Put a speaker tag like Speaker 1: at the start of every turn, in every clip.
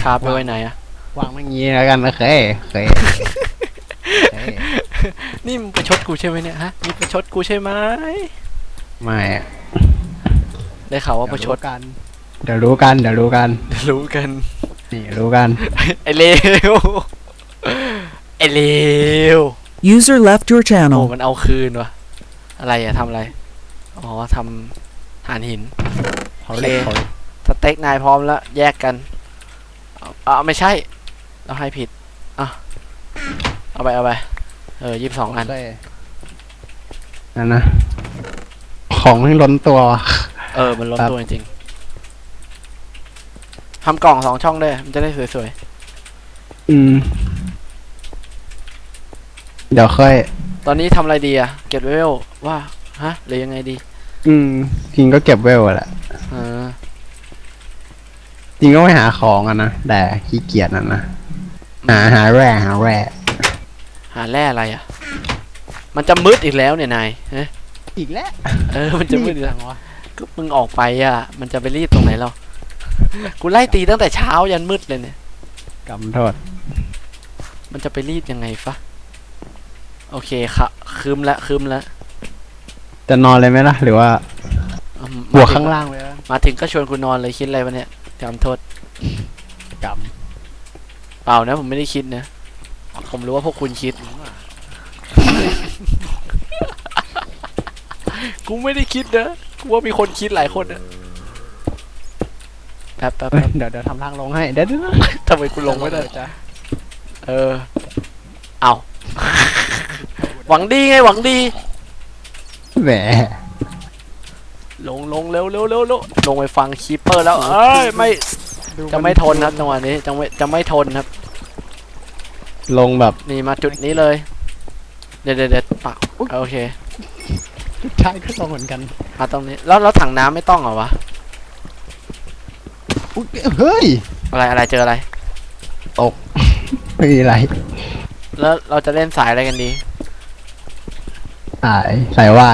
Speaker 1: คาไปไว้ไหนอะ
Speaker 2: วางไม่งี้แล้วกันโอเค
Speaker 1: นี่มึงประชดกูใช่ไหมเนี่ยฮะนี่ประชดกูใช่ไหม
Speaker 2: ไม่
Speaker 1: ได้ข่าวว่าประชด
Speaker 2: กันเดี๋ยวรู้กัน
Speaker 1: รู้กัน
Speaker 2: นี่รู้กัน
Speaker 1: ไอเลวไอเลว
Speaker 3: User left your
Speaker 1: โอ้
Speaker 3: channel
Speaker 1: มันเอาคืนวะอะไรอะทำอะไรอ๋อทำฐานหินโอเคสเต็กนายพร้อมแล้วแยกกันไม่ใช่เราให้ผิดเอาไป22 อัน
Speaker 2: นั่นนะของไม่ล้นตัว
Speaker 1: มันล้นตัวจริงๆทำกล่อง2 ช่องด้วยมันจะได้สวย
Speaker 2: เดี๋ยวค่อย
Speaker 1: ตอนนี้ทำอะไรดีอะเก็บเวลว่าฮะหรือยังไงดี
Speaker 2: จริงก็เก็บเวลแหละจริงก็ไม่หาของนะแต่ขี้เกียจนะหาแร่
Speaker 1: หาแร่อะไรอะมันจะมืดอีกแล้วเนี่ยนาย
Speaker 2: อีกแล้ว
Speaker 1: มันจะมืดอีกแล้วก็มึงออกไปอะมันจะไปรีดตรงไหนเรากูไล่ตีตั้งแต่เช้ายันมืดเลยเนี่ย
Speaker 2: กำโทษ
Speaker 1: มันจะไปรีดยังไงฟะโอเคค่ะคืมละ
Speaker 2: จะนอนเลยไหมล่ะหรือว่าบวกข้างล่างเลย
Speaker 1: มาถึงก็ชวนคุณนอนเลยคิดอะไรวะเนี่ยกำโทษเปล่านะผมไม่ได้คิดนะผมรู้ว่าพวกคุณคิดกูไม่ได้คิดนะกูว่ามีคนคิดหลายคนนะแป๊บ
Speaker 2: เดี๋ยวทำทางลงให้เดี๋ยว
Speaker 1: ทำไมกูลงไม่ได้จ้ะเอาหวังดีไงหวังดี
Speaker 2: แหม
Speaker 1: ลงเร็วลงไปฟังคีปเปอร์แล้วไม่จะไม่ทนครับจังหวะนี้จะไม่ทนครับ
Speaker 2: ลงแบบ
Speaker 1: นี่มาจุดนี้เลยเดี๋ยวปักโอเค
Speaker 2: ใช่ก็ลงเหมือนกัน
Speaker 1: มาตรงนี้แล้วถังน้ำไม่ต้องเหรอวะ
Speaker 2: เฮ้ย
Speaker 1: อะไรเจออะไร
Speaker 2: ตกไม่มีอะไร
Speaker 1: แล้วเราจะเล่นสายอะไรกันดี
Speaker 2: สายวาย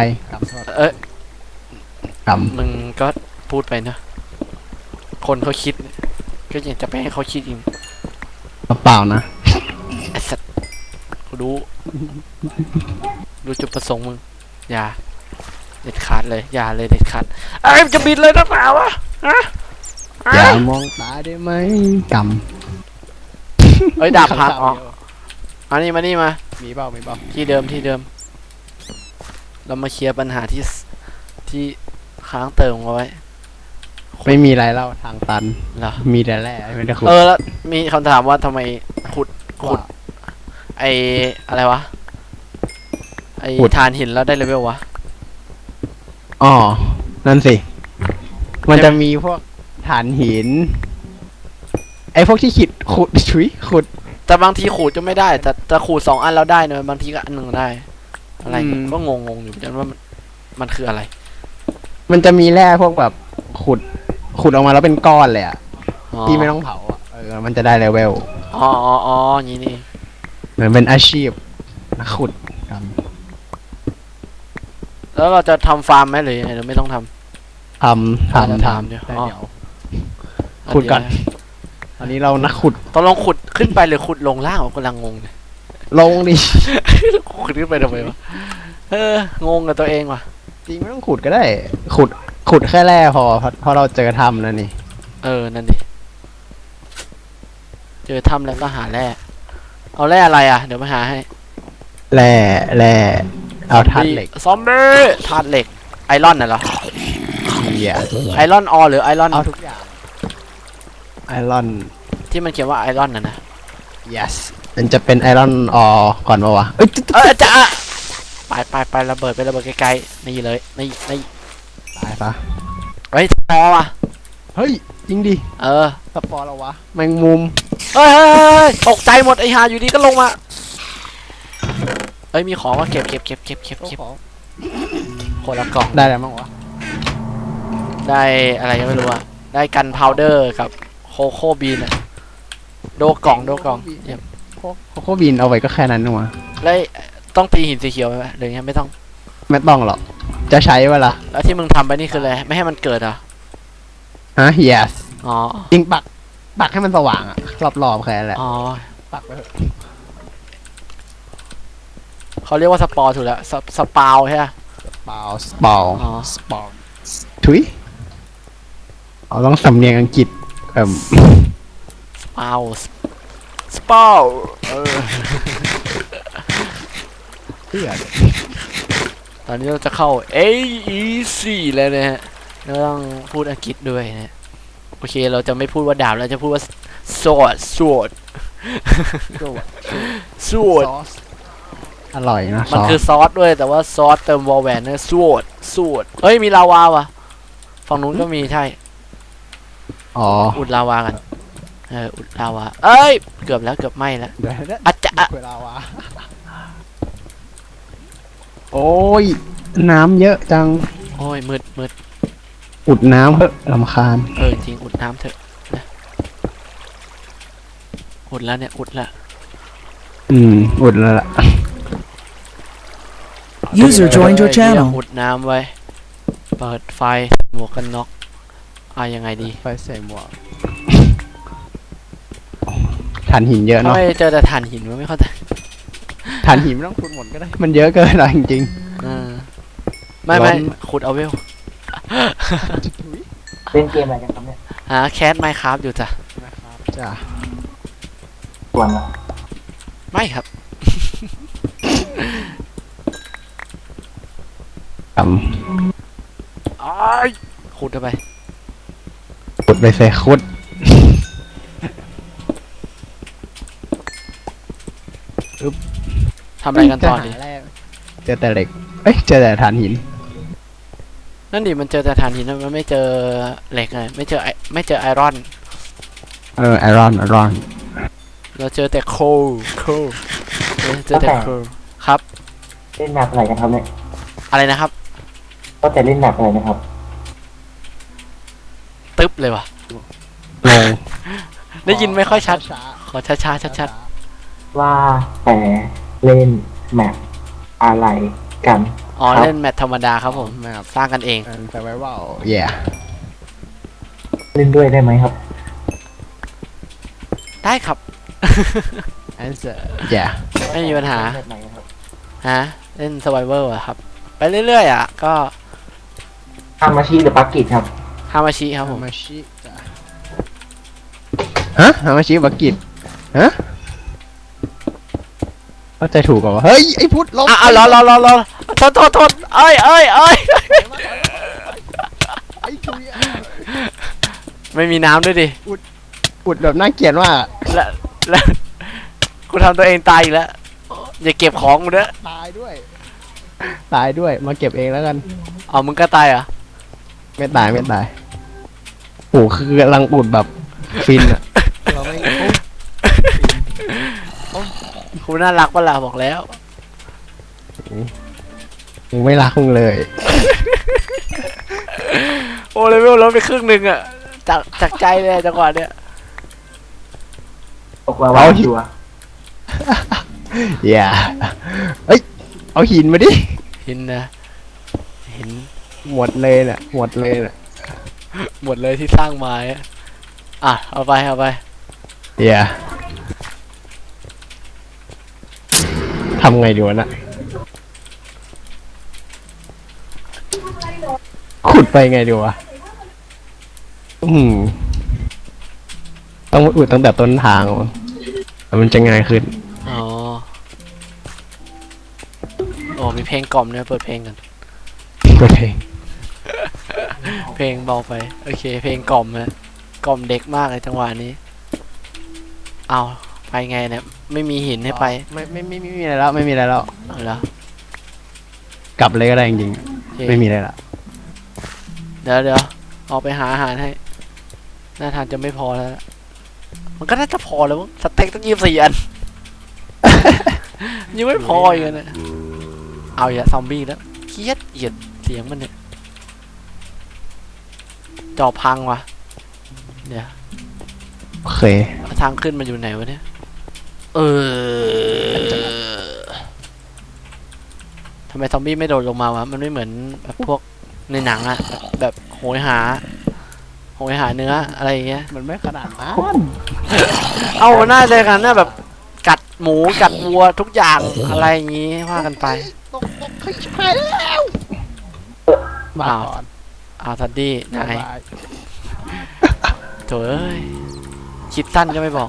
Speaker 1: มึงก็พูดไปนะคนเขาคิดก็อยากจะไปให้เขาคิดเอง
Speaker 2: เปล่านะ
Speaker 1: ไอ้สัตว์กูรู้จุดประสงค์มึงอย่าเด็ดขาดเลยอย่าเลยเด็ดขาดจะบินเลยนะเปล่าวะ
Speaker 2: อย่ามองตาได้ไหม
Speaker 1: ดาบพังมานี่มา
Speaker 2: มีเปล่า
Speaker 1: ที่เดิมเรามาเคลียร์ปัญหาที่ค้างเติมเอาไว้
Speaker 2: ไม่มีอะไรเล่าทางตัน
Speaker 1: เหรอ
Speaker 2: มีแต่แร่ไม่ได้ขุด
Speaker 1: แล้วมีคำถามว่าทำไมขุดอะไรวะฐานหินแล้วได้เลเวลวะ
Speaker 2: นั่นสิมันจะมีพวกฐานหินพวกที่ขุด
Speaker 1: แต่บางทีขูดจะไม่ได้แต่จะขูด2 อันแล้วได้เนอะบางทีก็อัน 1ได้อะไรก็งงอยู่จังว่ามันคืออะไร
Speaker 2: มันจะมีแร่พวกแบบขุดออกมาแล้วเป็นก้อนเลยที่ไม่ต้องเผามันจะได้เลเวล
Speaker 1: อย่างนี้นี่
Speaker 2: เหมือนเป็นอาชีพนักขุด
Speaker 1: แล้วเราจะทำฟาร์มไหมหรือยังไงเราไม่ต้องท
Speaker 2: ำ
Speaker 1: เดี๋ยว
Speaker 2: ขุดก่อนอันนี้เรานักขุด
Speaker 1: ต้องลองขุดขึ้นไปหรือขุดลงล่างกำลังงงเนี่ย
Speaker 2: ลงดิ
Speaker 1: ขุดขึ้นไปทำไมวะงงกับตัวเองว่ะ
Speaker 2: จริงไม่ต้องขุดก็ได้ขุดแค่แร่พอเราเจอถ้ำแล้วนี่
Speaker 1: นั่นดิเจอถ้ำแล้วก็หาแร่เอาแร่อะไรเดี๋ยวมาหาให้
Speaker 2: แร่เอาธาตุเหล็ก
Speaker 1: ซอมบี้ธาตุเหล็กไอรอนน่ะเหรอไอรอนหรือไอรอน
Speaker 2: เอาทุกอย่างไอรอน
Speaker 1: ที่มันเขียนว่าไอรอนนะ
Speaker 2: yes มันจะเป็นไอรอนก่อนวะ
Speaker 1: จะไประเบิดไกลๆนี่เลยนี่
Speaker 2: ตายปะ
Speaker 1: พอว่ะ
Speaker 2: เฮ้ยจริงดิสปอร์เราวะแมงมุม
Speaker 1: ตกใจหมดไอหาอยู่ดีก็ลงมามีของว่าเก็บคนละกล่อง
Speaker 2: ได้อะไรบ้างวะ
Speaker 1: ได้อะไรก็ไม่รู้ได้กันพาวเดอร์กับโคโค่บีนโดกล่อง
Speaker 2: โคโค่บีนเอาไว้ก็แค่นั้นนึงวะ
Speaker 1: แล้วต้องตีหินสีเขียวไหมหรือยังไม่ต้อง
Speaker 2: หรอกจะใช้เวลา
Speaker 1: แล้วที่มึงทำไปนี่คืออะไรไม่ให้มันเกิด
Speaker 2: yes จริงปักปักให้มันสว่างอะรอบๆแค่นั้นแหละ
Speaker 1: อ๋อ
Speaker 2: ปักไปเถอะ
Speaker 1: เขาเรียกว่าสปอร์ถูกแล้วสปาวใช่ไหม
Speaker 2: เปล่าสปอล
Speaker 1: อ๋อ
Speaker 2: สปอลถุยเอาต้องสำเนียงอังกฤษ
Speaker 1: สปาวสปาว
Speaker 2: เพื่อน
Speaker 1: ตอนนี้เราจะเข้า AEC แล้วนะฮะเราต้องพูดอังกฤษด้วยนะโอเคเราจะไม่พูดว่าดาบเราจะพูดว่า sword
Speaker 2: ซอส อร่อยนะซ
Speaker 1: มัน
Speaker 2: อ
Speaker 1: คือ
Speaker 2: ส
Speaker 1: ซอสด้วยแต่ว่าซอสเติมวอลแวนนะ sword เฮ้ยมีลาวาว่ะฝั่งนู้นก็มีใช่
Speaker 2: อ๋อ
Speaker 1: อุดลาวากันอุดลาวาเอ้ยเกือบแล้วเกือบไหม้แล้ว
Speaker 2: เดี๋ยวนะ
Speaker 1: อาจจะ
Speaker 2: เวลาวะโอ้ย น้ำเยอะจัง
Speaker 1: โอ้ยมืด
Speaker 2: อุดน้ำเถอะรำคาญ
Speaker 1: จริงอุดน้ำเถอะนะอุดแล้วเนี่ยอุดแล้ว
Speaker 2: อุดแล้วล่ะ
Speaker 3: User joined your
Speaker 1: เหี้ย
Speaker 3: channel.
Speaker 1: อุดน้ำไว้เปิดไฟหมวกกันน็อกยังไงดี
Speaker 2: ไฟใส่หมวกถ่านหินเยอะ
Speaker 1: ทำ
Speaker 2: เนาะ
Speaker 1: ไมเจอแต่ถ่านหินวะไม่เข้าใจ
Speaker 2: ถ่านหินไม่ต้องขุดหมดก็ได้ มันเยอะเกินอะจริง
Speaker 1: ไม่
Speaker 2: ร้อน
Speaker 1: ขุดเอาเวล
Speaker 4: เล่นเกมอะไรกันครับเนี่ย
Speaker 1: หาแคสไมค์ครับอยู่จ้ะ
Speaker 2: ๆจ้ะ
Speaker 4: ส่วนเหรอ
Speaker 1: ไม่ครับ
Speaker 2: ท
Speaker 1: ขุดเข้าไป
Speaker 2: ำขุดไปใส่ขุด
Speaker 1: ทำอะไรกันต่อดี
Speaker 2: เจอแต่เหล็ก เอ้ย เจอแต่ถ่านหิน
Speaker 1: นั่นดิมันเจอแต่ถ่านหินนะมันไม่เจอเหล็กเลยไม่เจอไอรอน
Speaker 2: ไอรอน
Speaker 1: เราเจอแต่โคลเจอแต่โคลครับ
Speaker 4: เล่นแมปอะไรกันครับเนี่ย
Speaker 1: อะไรนะครับ
Speaker 4: ก็แต่เล่นแมปอะไรนะครับ
Speaker 1: ตึ๊บเลยว่ะ
Speaker 2: งง
Speaker 1: ได้ยินไม่ค่อยชัด
Speaker 2: ช้า
Speaker 1: ขอช้าๆชัด
Speaker 4: ว่าแต่เล่นแมปอะไรกัน
Speaker 1: ๆอ๋อ
Speaker 4: ครับ
Speaker 1: เล่นแมทธรรมดาครับผม
Speaker 2: แมป
Speaker 1: สร้างกันเอง
Speaker 2: เป็น survival yeah
Speaker 4: เล่นด้วยได้ไหมครับ
Speaker 1: ได้ครับ
Speaker 2: answer yeah
Speaker 1: ไม่มีปัญหา
Speaker 4: เล่นแบบไหนครับ
Speaker 1: ฮะเล่น survival อะครับ ไปเรื่อยๆอ่ะก็
Speaker 4: ฮามาชิหรือปักกิจครับ
Speaker 1: ฮามาชิครับผม
Speaker 2: ฮามาชิจ้ะฮะฮามาชิบักกิตฮะเข้าใจถูกก่อนวะเฮ้ย ไอ้พุทธลบ
Speaker 1: รอโทษเอ้ย
Speaker 2: ไอ้ชุยอะ
Speaker 1: ไม่มีน้ำด้วยดิ
Speaker 2: อุดแบบน่าเกลียดว่าก
Speaker 1: แล้วกูทำตัวเองตายอีกแล้วอย่าเก็บของกูเด้อ
Speaker 2: ตายด้วย ตายด้วย มาเก็บเองแล้วกัน
Speaker 1: เอามึงก็ตายเหรอ
Speaker 2: ไม่ตายไม่ตายโอ้คือกำลังอุดแบบฟินอะเราไม่
Speaker 1: กูน่ารักปะล่ะบอกแล้ว
Speaker 2: มึงไม่รักมึงเลย
Speaker 1: โอ้เลเวลลดไปครึ่งหนึ่งอะจากใจเลยจังหวะเนี้ย
Speaker 4: ตกลาวาชัวร์
Speaker 2: อย่าเอ้ย เอาหินมาดิ
Speaker 1: หินนะหิน
Speaker 2: หมดเลยน่ะ หมดเลยน่ะ
Speaker 1: หมดเลยที่สร้างมาอะเอาไป
Speaker 2: อย่าทำไงดีวะน่ะ ขุดไปไงดีวะต้องอุดตั้งแต่ต้นทางวะแล้วมันจะง่ายขึ้น
Speaker 1: อ๋อโอ้มีเพลงกล่อมเนี่ยเปิดเพลงกัน
Speaker 2: ก็เพลง
Speaker 1: เพลงเบาไปโอเค เพลงกล่อมนะกล่อมเด็กมากเลยจังหวะนี้เอาไปไงเนี่ยไม่มีหินให้ไป
Speaker 2: ไม่มีอะไรแล้ว ไม่มีอะไรแล้ว
Speaker 1: เอาเหรอก
Speaker 2: ลับเลยก็ได้จริง
Speaker 1: โอเค
Speaker 2: ๆไม่มีอะไรละ
Speaker 1: เดี๋ยวออกไปหาอาหารให้น่าทานจะไม่พอแล้วล่ะมันก็น่าจะพอแล้วมั้งสเต็กต้อง24 อัน ยังไม่พออีกนะเอาอย่าซอมบี้แล้วเกลียดเสียงมันเนี่ยจอพังวะเดี๋ยว
Speaker 2: โอเค
Speaker 1: ทางขึ้นมันอยู่ไหนวะเนี่ยทำไมซอมบี้ไม่โดดลงมาวะมันไม่เหมือนแบบพวกในหนังอะแบบโหยหาผมไปหาเนื้ออะไรอย่างเงี้ย
Speaker 2: มันไม่ขนาดนั้น
Speaker 1: เอาน่าจะกันนะแบบกัดหมูกัดวัวทุกอย่างอะไรอย่างงี้ว่ากันไป
Speaker 2: ตกเฮ้ยชิบหายแล้วมา
Speaker 1: อ้าว
Speaker 2: ก่อน
Speaker 1: อ้าวทัดดี้นาย
Speaker 2: บ๊ายบาย
Speaker 1: โถ่เอ้ยคิดสั้นก็ไม่บอก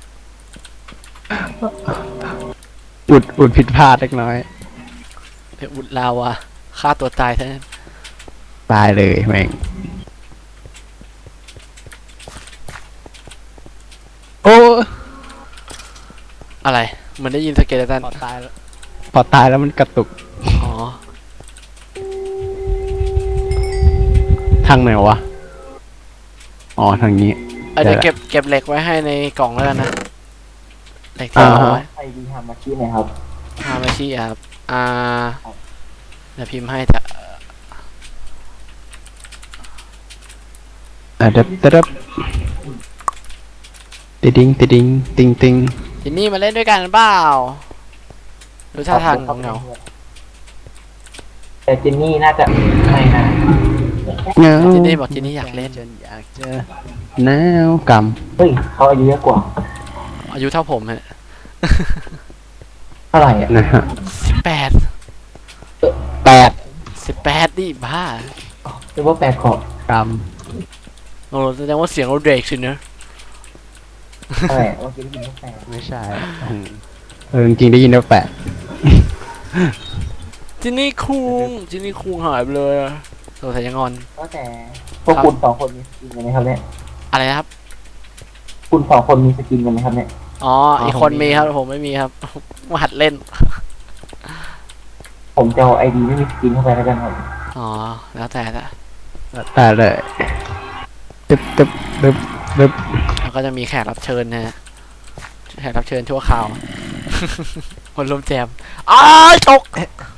Speaker 2: อุดผิดพลาดเล็กน้อย
Speaker 1: ไปอุดลาวะฆ่าตัวตายแท้
Speaker 2: ตายเลยแม่งโอ้
Speaker 1: อะไรเหมันได้ยินสเกเลตัน
Speaker 2: พอตายแล้วพอตายแล้วมันกระตุก
Speaker 1: อ๋อ
Speaker 2: ทางไหนวะอ๋อทางนี้
Speaker 1: เดี๋ยว
Speaker 2: ได้ละ
Speaker 1: เก็บเหล็กไว้ให้ในกล่องแล้วกันนะเหล็กที่เอาไว้
Speaker 4: ไอดีฮามาชินะครับ
Speaker 1: ฮามาชิครับเดี๋ยวพิมพ์ให้เถอะ
Speaker 2: เด็บเด็บติดิงติดิงติงติง
Speaker 1: จินนี่มาเล่นด้วยกันเปล่าดูท่าทางเหงา
Speaker 4: แต่จินนี่น่าจะไม่นะ
Speaker 2: เงา
Speaker 1: จินนี่บอกจินนี่อยากเล่น
Speaker 2: ฉันอยากเจอหนาวก
Speaker 4: เฮ้ยเขาอายุเยอะกว่า
Speaker 1: อายุเท่าผมฮะ
Speaker 4: เท่าไหร่อ่ะ
Speaker 2: ำนะฮะ
Speaker 1: 18
Speaker 2: 8
Speaker 1: ดิบ้า
Speaker 4: หรือว่าแปดขอบ
Speaker 2: ก
Speaker 1: โอ้แสดงว่าเสียงเราเด็กสินะ
Speaker 4: เท่าไหร่เมื่อกี้ได้ยินว่าแปด
Speaker 2: ำไม่ใช่จริงๆได้ยินว่า8
Speaker 1: จินนี่คุงหายไปเลยอะสงสัยยังงอน
Speaker 4: ก็แต่พวกคุณสองคนมีสกินกันไหมครับเนี่ย
Speaker 1: อะไรนะครับ
Speaker 4: คุณสองคนมีสกินกันไหมครับเนี่ย
Speaker 1: อ๋ออีกคนมีครับผมไม่มีครับ มาหัดเล่น
Speaker 4: ผมจะเอาไอดีไม่มีสกินเข้าไปแล้วกันครับ
Speaker 1: อ๋อแล้วแต่ละ
Speaker 2: แต่เลยตึบตึบตึบตึบ
Speaker 1: แล้วก็จะมีแขกรับเชิญนะฮะแขกรับเชิญชั่วคราว คนร่วมแจมอ้ายตก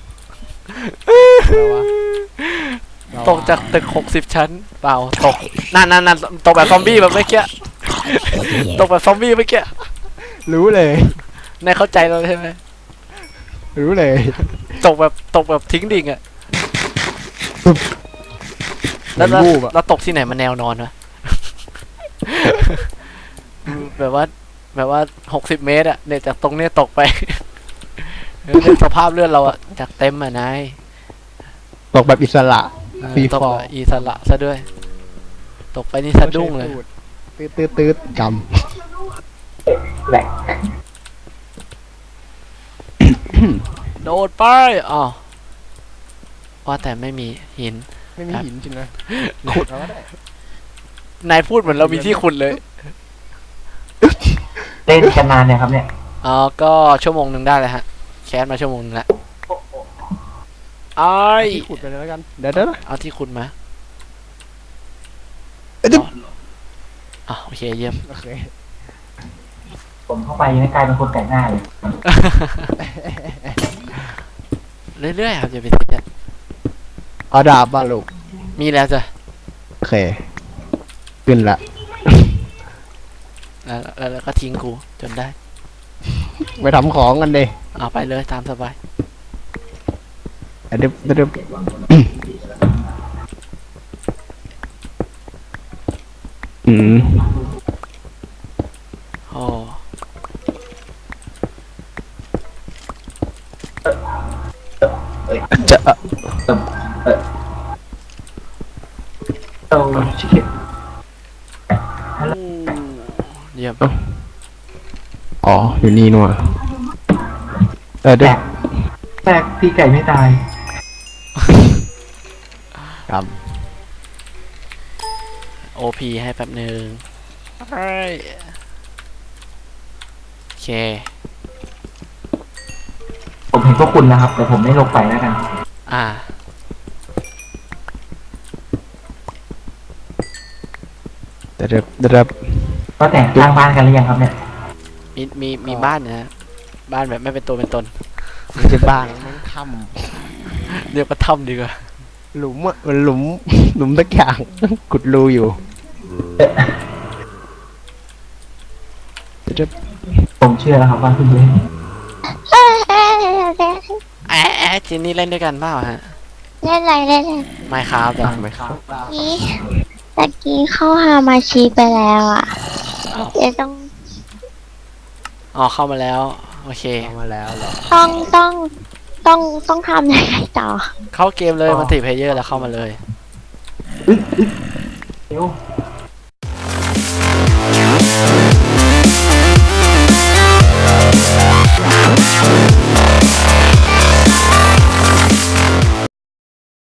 Speaker 1: ตกจากตึก60 ชั้นเปล่าตกนั่นตกแบบซอมบี้แบบเมื่อกี้ ตกแบบซอมบี้เมื่อกี้
Speaker 2: รู้เลย
Speaker 1: นายเข้าใจเราใช่ไหม
Speaker 2: รู้เลย
Speaker 1: ตกแบบทิ้งดิ่งอะ
Speaker 2: แล้วรูปอะ
Speaker 1: แล้วตกที่ไหนมาแนวนอนวะ แบบว่า60 เมตรอะเนี่ยจากตรงเนี้ยตกไป เนี่ยสภาพเลือดเราอะจากเต็มอะนาย
Speaker 2: ตกแบบอิสระฟรี
Speaker 1: ตก
Speaker 2: ฟอ
Speaker 1: แบ
Speaker 2: ร์
Speaker 1: บอิสระซะด้วย ตกไปนี่สะดุ้งเลย
Speaker 2: ตืดตืดตืดก
Speaker 4: แหลก
Speaker 1: โดดไปอ๋อว่าแต่ไม่มีหิน
Speaker 2: ำไม่มีหินจริงนะขุดเอาก็ได้
Speaker 1: นายพูดเหมือนเรามีที่ขุดเลย
Speaker 4: เล่นกันนานเนี่ยครับเนี่ย
Speaker 1: อ๋อก็ชั่วโมงหนึ่งได้เลยฮะ แคสมาชั่วโมงนึงแล้วอ้าย
Speaker 2: ที่ขุดไปเลยแล้วกันเดี๋ยว
Speaker 1: เอาที่ขุดมา
Speaker 2: เดี๋ยว
Speaker 1: อ๋อโอเคเยี่ยม
Speaker 2: โอเค
Speaker 4: ผมเข้าไปยังกลายเป็นคนแต่งหน้าเลย
Speaker 1: เรื่อยๆครับอย่าไปซีเรียส
Speaker 2: เอาดาบบ้าลูก
Speaker 1: มีแล้วจ้ะ
Speaker 2: โอเคขึ้นละ
Speaker 1: แล้วก็ทิ้งกูจนได้
Speaker 2: ไปทำของกันดิ
Speaker 1: เอาไปเลยตามสบาย
Speaker 2: เดี๋ยวเดี๋ยวอืม
Speaker 1: โอ้
Speaker 2: จะ
Speaker 4: ต้องชิคเก้น
Speaker 1: เยี่ยม
Speaker 2: อ๋ออยู่นี่นัว
Speaker 4: แต
Speaker 2: เดี๋ยว
Speaker 4: กแตกพี่ไก่ไม่ตาย
Speaker 2: กรรม
Speaker 1: โอพีให้แป๊บหนึ่งเฮ้ยโอเค
Speaker 4: ผมเห็นพวกคุณนะครับ แต่ผมไม่ลงไปแล้วกัน
Speaker 1: อ่า
Speaker 2: เดี๋ยวเดี๋ยว
Speaker 4: ก็แต่งสร้างบ้านกันหรือยังครับเนี่ย
Speaker 1: มีบ้านนะฮะบ้านแบบไม่เป็นตัวเป็นตน
Speaker 2: ไม่ใช่บ้านมันท
Speaker 1: เรียกว่าถ้ำดีกว่า
Speaker 2: ำหลุมอ่ะมันหลุมสักอย่างขุดรูอยู่เดี๋ยว
Speaker 4: ผมเชื่อแล้วครับว่าคุณเล่น
Speaker 1: จินนี่เล่นด้วยกันเปล่าฮะ
Speaker 3: เล่นอะไรเล่นอะไร
Speaker 1: ไม่ครับจ้ะ
Speaker 2: ไหมครับ
Speaker 3: นี่ตะกี้เข้าฮามาชีไปแล้วอ่ะ
Speaker 1: อ้าว
Speaker 3: เดี๋ยวต้อง
Speaker 1: อ๋อเข้ามาแล้ว โอเค
Speaker 2: เอามาแล้วเหรอ
Speaker 3: ต้องต้องต้องทำยังไงต่อ
Speaker 1: เข้าเกมเลยมัลติเพลเยอร์แล้วเข้ามาเลย
Speaker 4: เดี๋ยว